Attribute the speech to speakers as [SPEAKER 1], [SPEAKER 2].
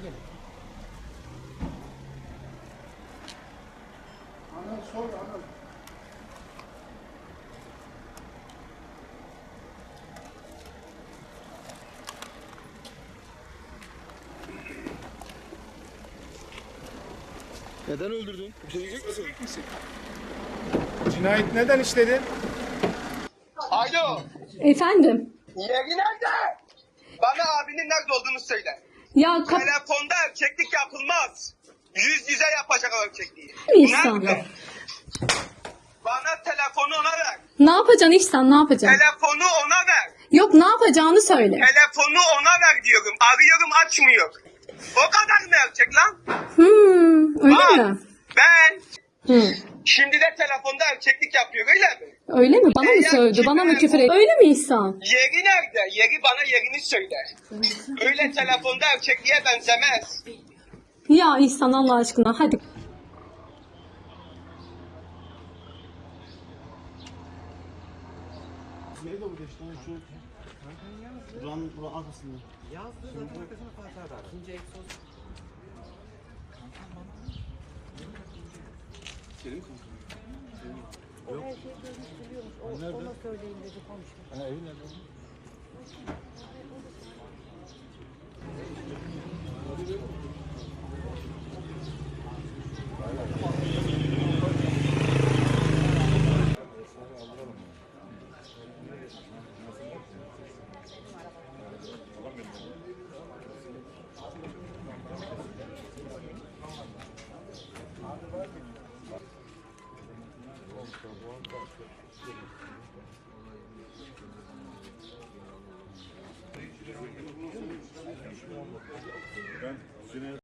[SPEAKER 1] gelin. Ana sor ana.
[SPEAKER 2] Neden öldürdün? Bir şey diyecek misin?
[SPEAKER 1] Cinayet neden işledin?
[SPEAKER 3] Alo,
[SPEAKER 4] Efendim?
[SPEAKER 3] yeri nerede? Bana abinin nerede olduğunu söyle.
[SPEAKER 4] Ya
[SPEAKER 3] Telefonda erkeklik yapılmaz. Yüz yüze yapacak o erkekliği.
[SPEAKER 4] İhsan.
[SPEAKER 3] Nerede? Bana telefonu ona ver.
[SPEAKER 4] Ne yapacaksın İhsan, ne yapacaksın?
[SPEAKER 3] Telefonu ona ver.
[SPEAKER 4] Yok, ne yapacağını söyle.
[SPEAKER 3] Telefonu ona ver diyorum. Arıyorum açmıyor. O kadar mı erkek lan?
[SPEAKER 4] Öyle
[SPEAKER 3] Bak,
[SPEAKER 4] mi?
[SPEAKER 3] ben
[SPEAKER 4] Hı.
[SPEAKER 3] şimdi de telefonda erkeklik yapıyor öyle mi?
[SPEAKER 4] Öyle mi? Bana mı sövdü? Bana mı küfür etti? Öyle mi İhsan?
[SPEAKER 3] Yeri nerede? Yeri bana yerini söyle. Öyle telefonda erkekliğe benzemez.
[SPEAKER 4] Ya İhsan, Allah aşkına hadi.
[SPEAKER 2] Neydi bu geçti? Şu buranın arkasında.
[SPEAKER 5] Yazdı zaten arkasına Fatih abi. İkinci egzoz.
[SPEAKER 2] Senin kanka.
[SPEAKER 6] O her şeyi görmüş biliyormuş. Ona söyleyin dedi konuştu.
[SPEAKER 2] Ha, evi nerede? Ben